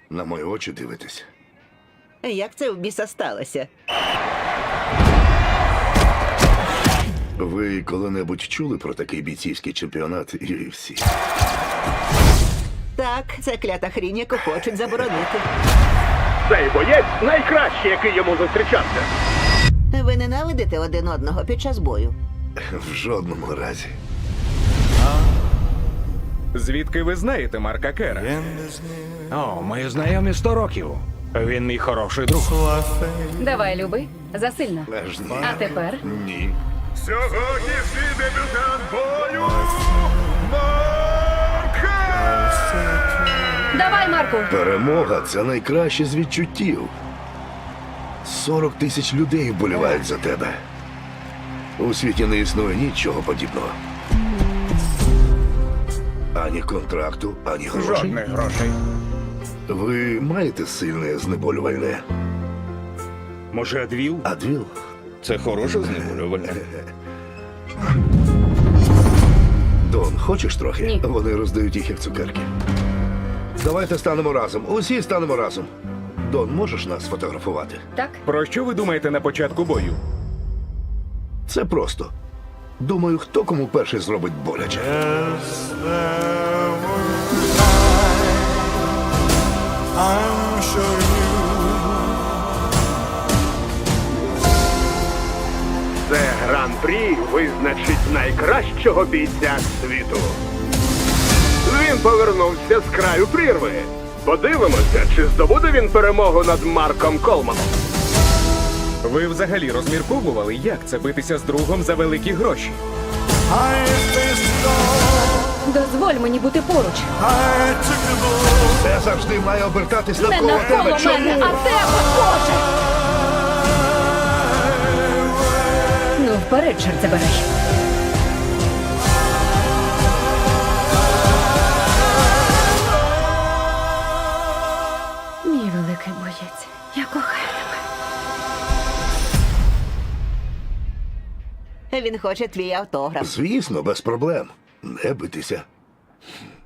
На мої очі дивитесь. Як це в біса сталося? Ви коли-небудь чули про такий бійцівський чемпіонат UFC? Так, це клята хрінь, яку хочуть заборонити. Цей боєць найкращий, який йому зустрічався. Ви ненавидите один одного під час бою? В жодному разі. Звідки ви знаєте Марка Кера? О, ми знайомі 100 років. Він мій хороший друг. Давай, люби, засильно. Аж ні. А тепер Ні. Сьогоднішній дебютант бою Марка! давай, Марку. Перемога – це найкраще з відчуттів. 40 тисяч людей вболівають за тебе. У світі не існує нічого подібного. Ані контракту, ані грошей. Жодних грошей. Ви маєте сильне знеболювальне? Може, Адвіл? Адвіл? Це хороше знеболювальне. Дон, хочеш трохи? Ні. Вони роздають їх як цукерки. Давайте станемо разом. Усі станемо разом. Дон, можеш нас сфотографувати? Так? Про що ви думаєте на початку бою? Це просто. Думаю, хто кому перший зробить боляче. I'm sure Це гран-прі визначить найкращого бійця світу. Він повернувся з краю прірви. Подивимося, чи здобуде він перемогу над Марком Колманом. Ви взагалі розмірковували, як це битися з другом за великі гроші? I faced it all. Дозволь мені бути поруч. I took the bull. Це завжди має обертатись Не навколо навколо тебе. Чому? мене, а тебе, Боже! Ну, вперед, чорт забирай. Мій великий боєць, я кохаю тебе. Він хоче твій автограф. Звісно, без проблем. Не битися.